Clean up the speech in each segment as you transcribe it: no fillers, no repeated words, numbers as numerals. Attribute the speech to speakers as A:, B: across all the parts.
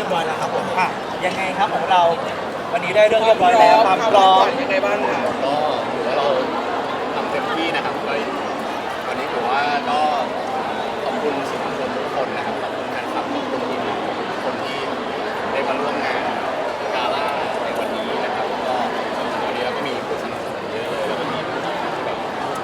A: ยบร้อยแล้วครับผมยังไงครับของเราวันนี้ได้เรื่องเรียบร้อยแล้วความพร้อมยังไงบ้างครับ
B: ก็ถือว่าเราทำเต็มที่นะครับก็วันนี้ถือว่าก็ขอบคุณสื่อมวลชนทุกคนนะครับขอบคุณแฟนคลับขอบคุณทีมงานทุกคนที่ได้มาร่วมงานกาล่าในวันนี้นะครับก็วันนี้เราก็มีผู้สนับสนุนเยอะเลยแล้วก็มีผู้ที่แบบ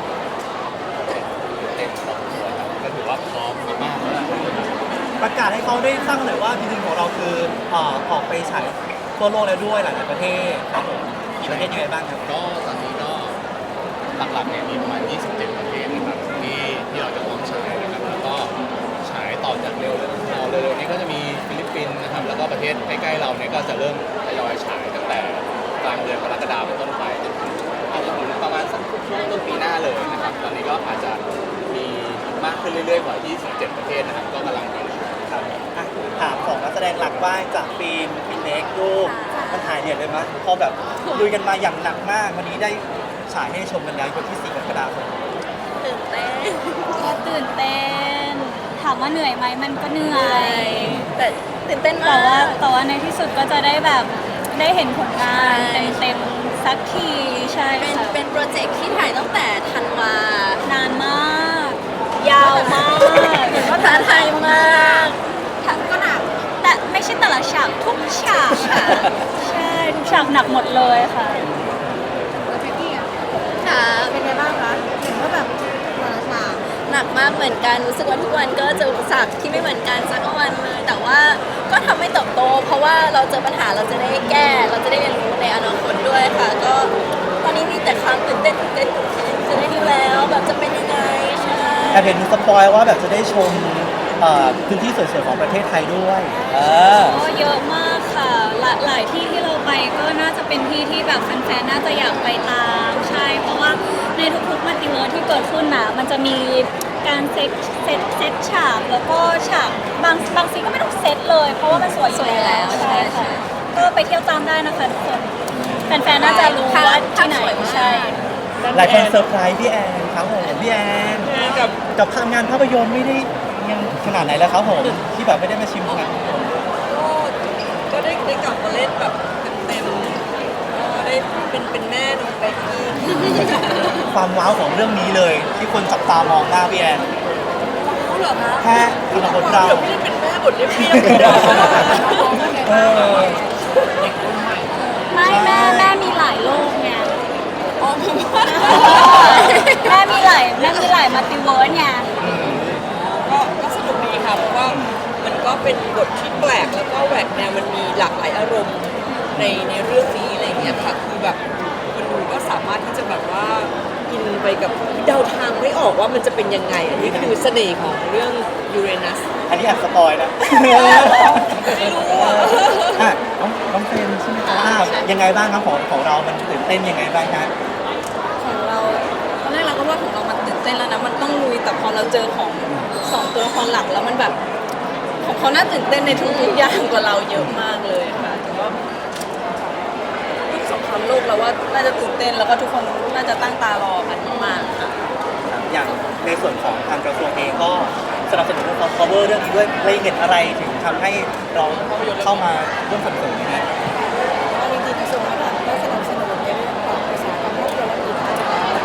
B: เต็มครอบครัวครับก็ถือว่าพร้อมมากๆแล้วนะครับ
A: ประกาศให้เขาได้สร้างหน่อยว่าจริงๆของเราคือออกไปฉายทั่วโลกแล้วด้วยหลายๆประเทศครับผมกี่ประเทศยังไงบ้างครับ
B: ก็ตอนนี้ก็หลักๆเนี่ยมีประมาณ 27 ประเทศนะครับที่เราจะพร้อมฉายนะครับแล้วก็ฉายต่อจากเร็วๆนี้ก็จะมีฟิลิปปินส์นะครับแล้วก็ประเทศใกล้ๆเราเนี่ยก็จะเริ่มทยอยฉายตั้งแต่กลางเดือนกรกฎาคมเป็นต้นไปจนถึงอาจจะถึงประมาณสักช่วงต้นปีหน้าเลยนะครับตอนนี้ก็อาจจะมีมากขึ้นเรื่อยๆกว่า 27 ประเทศนะครับก็กำลัง
A: ครับถามของนักแสดงหลักบ้างจากฟิล์มเล็กลูกมันหายเหนื่อยเลยมั้ยพอแบบลุยกันมาอย่างหนักมากวันนี้ได้ฉายให้ชมกันแล้ววันที่4 กรกฎาคม
C: ตื่นเต้นตื่นเต้นถามว่าเหนื่อยไหมมันก็เหนื่อยแต่ตื่นเต้นมากแต่ว่าในที่สุดก็จะได้แบบได้เห็นผลงานเต็มๆสักทีใช่เป็นโปรเจกต์ที่ถ่ายตั้งแต่ธันวานานมากยาวมากก็ท้าทายมากก็หนักแต่ไม่ใช่แต่ละฉากทุกฉากค่ะใช่ทุกฉากหนักหมดเลยค่ะค่ะเป็นไงบ้างคะเห็นว่าแบบแต่ละฉากหนักมากเหมือนกันรู้สึกว่าทุกวันก็เจออุปสรรคที่ไม่เหมือนกันสักวันเลยแต่ว่าก็ทำให้เติบโตเพราะว่าเราเจอปัญหาเราจะได้แก้เราจะได้เรียนรู้ในอนาคตด้วยค่ะก็ตอนนี้มีแต่ความตื่นเต้นจะได้ดูแล้วแบบจะเป็นยังไงใช่
A: แต่เห็นสปอยว่าแบบจะได้ชมพื้นที่สวยๆของประเทศไทยด้วย
C: ก็เยอะมากค่ะหลายที่ที่เราไปก็น่าจะเป็นที่ที่แบบแฟนๆน่าจะอยากไปตามใช่เพราะว่าในทุกๆมัลติเวิร์สที่เกิดขึ้นนะมันจะมีการเซตฉากแล้วก็ฉากบางซีก็ไม่ต้องเซตเลยเพราะว่ามันสวยแล้วใช่ค่ะก็ไปเที่ยวตามได้นะคะทุกคนแฟนๆน่าจะรู้ว่าที่ไหนใช่
A: หลายคนเซอร์ไพรส์พี่แอนครับผมพี่แอนกับทำงานภาพยนตร์ไม่ได้ยังขนาดไหนแล้วครับผมที่แบบไม่ได้มาชิมงาน
D: ก็ได้กลับมาเล่นแบบเต็มๆได้เป็นแม่น้องเบกกี้
A: ความว้าวของเรื่องนี้เลยที่คนจับตามองหน้าพี่แอน
D: เขาเหรอคะ
A: แค่สำหรับคนเรา
D: ไม่ได้เป็นแม่บทเรียบ
C: ไม่แม่มีหลายโลกไงแม่มีหลายมัลติเวิร์สไง
D: ก็สนุกดีค่ะเพราะว่ามันก็เป็นบทที่แปลกแล้วก็แหวกแนวมันมีหลากหลายอารมณ์ในเรื่องนี้อะไรอย่างเงี้ยค่ะคือแบบคนดูก็สามารถที่จะแบบว่าอินไปกับเดาทางไม่ออกว่ามันจะเป็นยังไงอันนี้คือเสน่ห์ของเรื่องยูเรนัส
A: อันนี้แอบสปอยนะ
D: ไม่รู้
A: อ่ะน้องเฟรนใช่ไหมคะยังไงบ้างครับของเรามันตื่นเต้นยังไงบ้างครับ
D: ของเราตอนแรกเราก็ว่าของเรามันตื่นเต้นแล้วนะมันต้องลุยแต่พอเราเจอของ2 ตัวละครหลักแล้วมันแบบของเขาน่าตื่นเต้นในทุกๆอย่างกว่าเราเยอะมากเลยค่ะแต่ว่าทุกสงครามโลกเราว่าน่าจะตื่นเต้นแล้วก็ทุกคนน่าจะตั้งตารอกันมากค่ะ
A: อย่างในส่วนของทางกระทรวงเองก็สนับสนุนเรื่องของ cover เรื่องนี้ด้วยเลยเห็นอะไรถึงทำให้เราเข้ามาร่วมสนับสนุนนี้
D: จริงๆกระทรวงวัฒนธรรมก็สนับสนุนในเรื่องของอุตสาหกรรมภาพยนตร์และกีฬา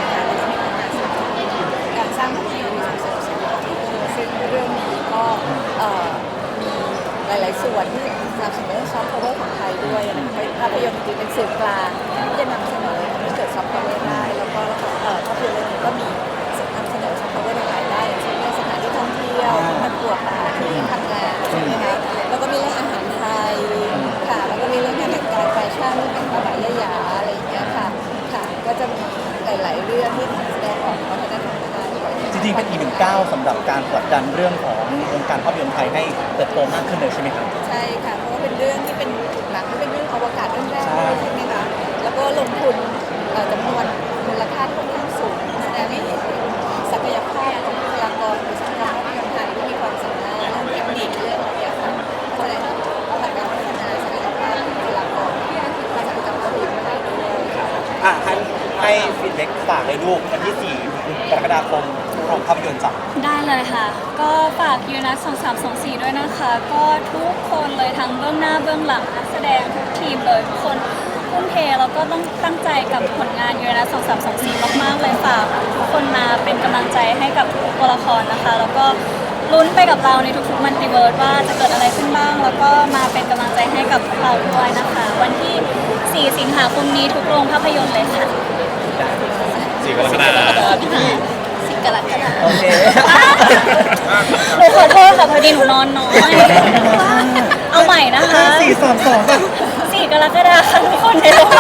D: การสร้างภาพยนตร์ส่งเสริมซึ่งเรื่องนี้ก็มีหลายๆส่วนที่สนับสนุนซอฟต์พาวเวอร์ของไทยด้วยนะคะภาพยนตร์จริงๆเป็นสื่อกลางที่จะนำเสนอให้เกิดซอฟต์พาวเวอร์ได้แล้วก็ภาพยนตร์เรื่องนี้ก็มีนำเสนอซอฟต์พาวเวอร์หลายๆด้านอย่างเช่นเรื่องสถานที่ท่องเที่ยวมันปวดที่ทำงานใช่ไหมคะแล้วก็มีเรื่องอาหารไทยค่ะแล้วก็มีเรื่องการแต่งกายแฟชั่นเรื่องแต่งตัวแบบยะอะไรอย่างเงี้ยค่ะก็จะมีหลายๆเรื่องที่แสดงออกวัฒนธรรมไทย
A: จริงๆเป็นอีกหนึ่งก้าวสำหรับการผลักดันเรื่องของวงการภาพยนตร์ไทยให้เติบโตมากขึ้นเลยใช่ไหมครับ
D: ใช่ค่ะเพราะว่าเป็นเรื่องที่เป็นหนังที่เป็นเรื่องอวกาศเรื่องแรกใช่ไหมคะแล้วก็ลงทุนจำนวนมูลค่าค่อนข้างสูงแสดงให้เห็นศักยภาพของบุคลากรอุตสาหกรรมภาพยนตร์ไทยที่มีความสามารถเรื่องเทคนิคเรื่องอะไรอย่างเงี้ยค่ะแสดงถึงการพัฒนาศักยภาพของบุคลากรที่มาจากจังหวัดอื่นมาด้วย
A: ให้ฟีดแบ็กฝากเลยลูกวันที่4 กรกฎาคมโรงภาพยนตร์จ้ะ
C: ได้เลยค่ะ ก็ฝากยูนัส2324ด้วยนะคะ ก็ทุกคนเลยทั้งเบื้องหน้าเบื้องหลังนักแสดงทุกทีมเลยทุกคนทุ่มเทแล้วก็ต้องตั้งใจกับผลงานยูนัส2324มากๆเลยฝากทุกคนมาเป็นกำลังใจให้กับทุกตัวละครนะคะ แล้วก็ลุ้นไปกับเราในทุกๆมัลติเวิร์สว่าจะเกิดอะไรขึ้นบ้าง แล้วก็มาเป็นกำลังใจให้กับพวกเราด้วยนะคะ วันที่ 4 สิงหาคมนี้ทุกโรงภาพยนตร์เลยค่ะ
B: 4 กรกฎาคม
D: สิกรกฎาคม
A: โอเค
C: หนูขอโทษค่ะพอดีหนูนอนน้อย เอาใหม่นะคะ
A: 4-3-2ป่ะ
C: 4 กรกฎาคมทุกคนในโรงภ